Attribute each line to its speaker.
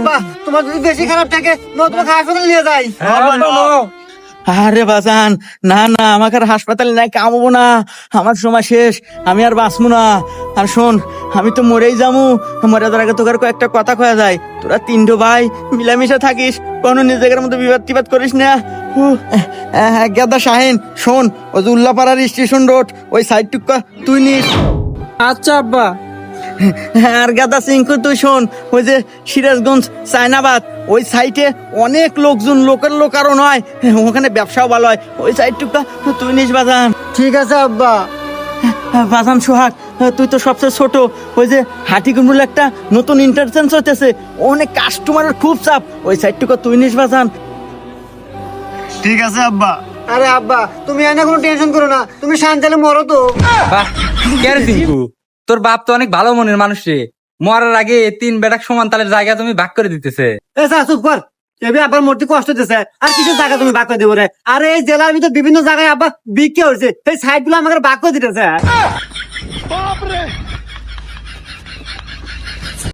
Speaker 1: আব্বা তোমার যদি বেশি খারাপ থাকে তোমাকে হাসপাতালে নিয়ে যাই।
Speaker 2: আরে বাজান, না না, আমাকে আর হাসপাতালে নাই কামবো না, আমার সময় শেষ, আমি আর বাঁচবো না। আর শোন, আমি তো মরেই যাবো, মরে যাওয়ার আগে তোকে কয়েকটা কথা কয়া যায়। তোরা তিনটো ভাই মিলামিশা থাকিস, কোনো নিজেদের মধ্যে বিবাদ টিবাদ করিস না। গেদা শাহিন, শোন, ওই যে উল্লাপাড়ার স্টেশন রোড ওই সাইড টুকা তুই নিস।
Speaker 3: আচ্ছা আব্বা।
Speaker 2: আর গাদা সিংকু তুই শোন, ওই যে সিরাজগঞ্জ চায়নাবাদ ওই সাইটে অনেক লোকজন, লোকের লোক আরো নয়, ওখানে ব্যবসাও ভালো হয়, ওই সাইডটুকটা তুই নিস বাজান।
Speaker 1: ঠিক আছে আব্বা।
Speaker 2: বাজান সোহাগ, তুই তো সবচেয়ে ছোট, ওই যে হাটিকুমরুল একটা নতুন ইন্টারচেঞ্জ হইতেছে, অনেক কাস্টমারের খুব চাপ, ওই সাইডটুকু তুই নিস বাজান।
Speaker 1: ঠিক আছে আব্বা। আরে আব্বা তুমি এনে কোনো টেনশন করো না, তুমি শান্তালে মরো তো।
Speaker 3: বাহ, কে রে টিঙ্কু, তোর বাপ তো অনেক ভালো মনের মানুষ রে। মরার আগে তিন বেটাক সমান তালের জায়গা তুমি ভাগ করে দিতেছে।
Speaker 1: এ যা চুপ কর, এবি আব্বার মূর্তি কষ্ট দিতেছে, আর কিছু জায়গা তুমি ভাগ করে দেবো রে। আরে এই জেলার ভিতর বিভিন্ন জায়গায় আব্বা বিক্রি হয়েছে, সেই সাইড গুলো আমাকে ভাগ করে দিতেছে।